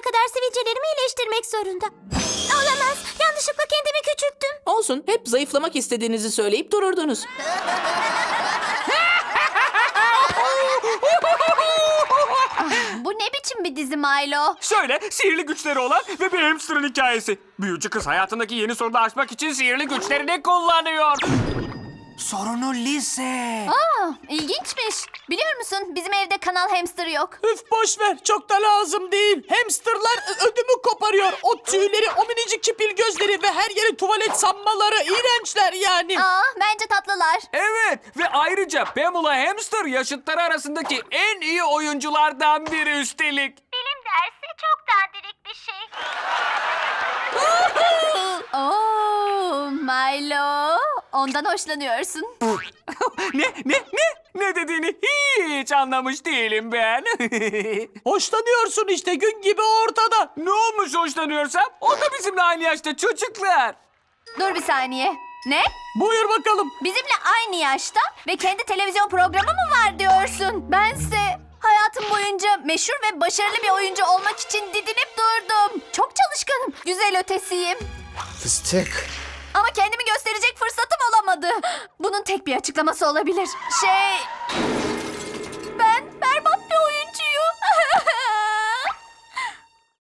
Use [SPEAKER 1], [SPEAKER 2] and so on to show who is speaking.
[SPEAKER 1] kadar sivilcelerimi iyileştirmek zorunda. Olamaz. Yanlışlıkla kendimi küçülttüm.
[SPEAKER 2] Olsun, hep zayıflamak istediğinizi söyleyip dururdunuz.
[SPEAKER 3] Bu ne biçim bir dizi Milo?
[SPEAKER 4] Şöyle sihirli güçleri olan ve bir hamsterın hikayesi. Büyücü kız hayatındaki yeni sorunu aşmak için sihirli güçlerini kullanıyor. Sorunu lise.
[SPEAKER 3] İlginçmiş. Biliyor musun bizim evde kanal hamster yok.
[SPEAKER 2] Üf, boş ver, çok da lazım değil. Hamsterlar ödümü koparıyor. O tüyleri, o minicik çipil gözleri ve her yeri tuvalet sanmaları iğrençler yani.
[SPEAKER 3] Bence tatlılar.
[SPEAKER 4] Evet ve ayrıca Pamela Hamster yaşıtları arasındaki en iyi oyunculardan biri üstelik.
[SPEAKER 1] Bilim dersi çok dandirik bir şey.
[SPEAKER 3] Milo. Ondan hoşlanıyorsun.
[SPEAKER 4] Ne dediğini hiç anlamış değilim ben.
[SPEAKER 2] Hoşlanıyorsun işte, gün gibi ortada.
[SPEAKER 4] Ne olmuş hoşlanıyorsam? O da bizimle aynı yaşta çocuklar.
[SPEAKER 3] Dur bir saniye. Ne?
[SPEAKER 2] Buyur bakalım.
[SPEAKER 3] Bizimle aynı yaşta ve kendi televizyon programı mı var diyorsun? Bense hayatım boyunca meşhur ve başarılı bir oyuncu olmak için didinip durdum. Çok çalışkanım, güzel ötesiyim.
[SPEAKER 5] Fıstık.
[SPEAKER 3] Ama kendimi gösterecek fırsatım olamadı. Bunun tek bir açıklaması olabilir.